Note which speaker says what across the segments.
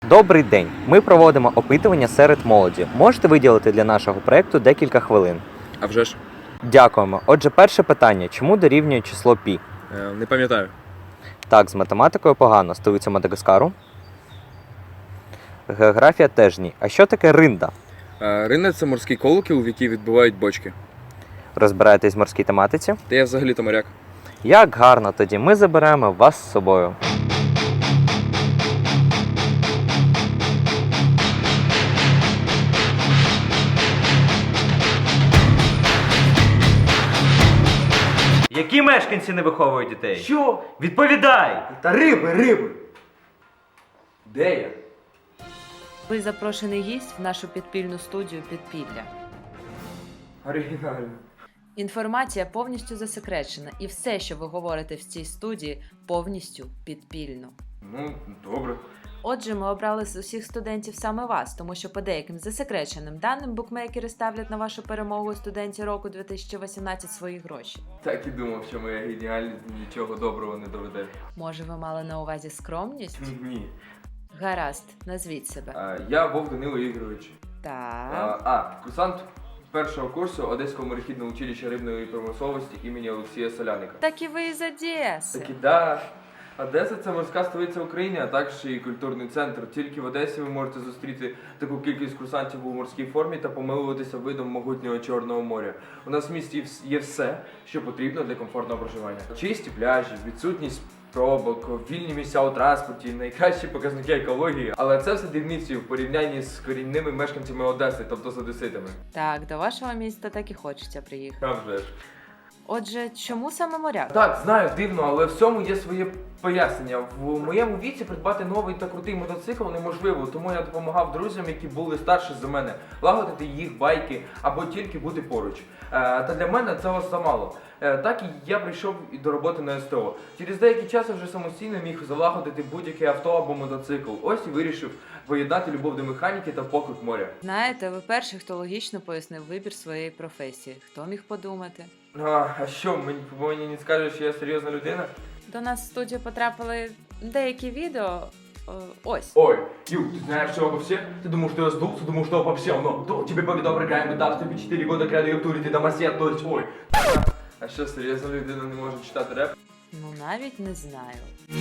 Speaker 1: Добрий день! Ми проводимо опитування серед молоді. Можете виділити для нашого проєкту декілька хвилин?
Speaker 2: А вже ж?
Speaker 1: Дякуємо. Отже, перше питання. Чому дорівнює число пі?
Speaker 2: Не пам'ятаю.
Speaker 1: Так, з математикою погано. Столиця Мадагаскару? Географія теж ні. А що таке ринда?
Speaker 2: Ринна – це морський колокіл, в який відбивають бочки.
Speaker 1: Розбираєтесь в морській тематиці?
Speaker 2: Та я взагалі-то моряк.
Speaker 1: Як гарно, тоді ми заберемо вас з собою. Які мешканці не виховують дітей?
Speaker 3: Що?
Speaker 1: Відповідай!
Speaker 3: Та риби! Де я?
Speaker 4: Ви запрошений гість в нашу підпільну студію «Підпілля».
Speaker 3: Оригінально.
Speaker 4: Інформація повністю засекречена, і все, що ви говорите в цій студії, повністю підпільно.
Speaker 3: Ну, добре.
Speaker 4: Отже, ми обрали з усіх студентів саме вас, тому що по деяким засекреченим даним букмекери ставлять на вашу перемогу у студенті року 2018 свої гроші.
Speaker 3: Так і думав, що моя геніальність нічого доброго не доведе.
Speaker 4: Може, ви мали на увазі скромність?
Speaker 3: Ні.
Speaker 4: Гаразд, назвіть себе.
Speaker 3: Я Вовк Данило Ігорович.
Speaker 4: Так.
Speaker 3: Курсант першого курсу Одеського морехідного училища рибної промисловості імені Олексія Соляника.
Speaker 4: Так і ви із Одеси.
Speaker 3: Так і да. Одеса – це морська столиця України, а також і культурний центр. Тільки в Одесі ви можете зустріти таку кількість курсантів у морській формі та помилуватися видом могутнього Чорного моря. У нас в місті є все, що потрібно для комфортного проживання. Чисті пляжі, відсутність пробок, вільні місця у транспорті, найкращі показники екології. Але це все дрібниці в порівнянні з корінними мешканцями Одеси, тобто з одеситами.
Speaker 4: Так, до вашого міста так і хочеться приїхати.
Speaker 3: А вже ж.
Speaker 4: Отже, чому саме моряк?
Speaker 3: Так, знаю, дивно, але в цьому є своє пояснення. В моєму віці придбати новий та крутий мотоцикл неможливо, тому я допомагав друзям, які були старші за мене, лагодити їх байки або тільки бути поруч. Та для мене цього замало. Так і я прийшов і до роботи на СТО. Через деякий час я вже самостійно міг залагодити будь-яке авто або мотоцикл. Ось і вирішив поєднати любов до механіки та поклик моря.
Speaker 4: Знаєте, ви перший, хто логічно пояснив вибір своєї професії. Хто міг подумати?
Speaker 3: А що, мені не скажеш, що я серйозна людина?
Speaker 4: До нас в студію потрапили деякі відео. Ось.
Speaker 3: Ой, Ю, ты знаешь все обо всех? Ты думал, что я сдулся, думал, что обо всем, но тебе повідав програмі, дав тобі 4 года кряду я в турі, ти домосед, то есть, ой. А що, серйозна людина не може читати реп?
Speaker 4: Ну, навіть не знаю.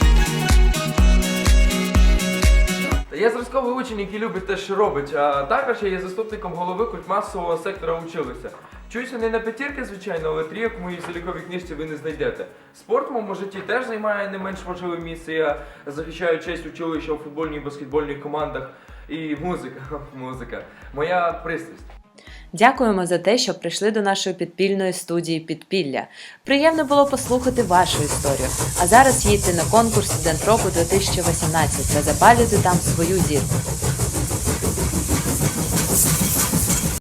Speaker 3: Та я зразковий учень, який любить те, що робить, а також я є заступником голови культмасового сектора училища. Вчуся не на п'ятірки, звичайно, але трійок в моїй заліковій книжці ви не знайдете. Спорт в моєму житті теж займає не менш важливе місце. Я захищаю честь училища у футбольній і баскетбольних командах. І музика. Моя пристрасть.
Speaker 4: Дякуємо за те, що прийшли до нашої підпільної студії «Підпілля». Приємно було послухати вашу історію. А зараз їдьте на конкурс «Студент року 2018» та запалюйте там свою зірку.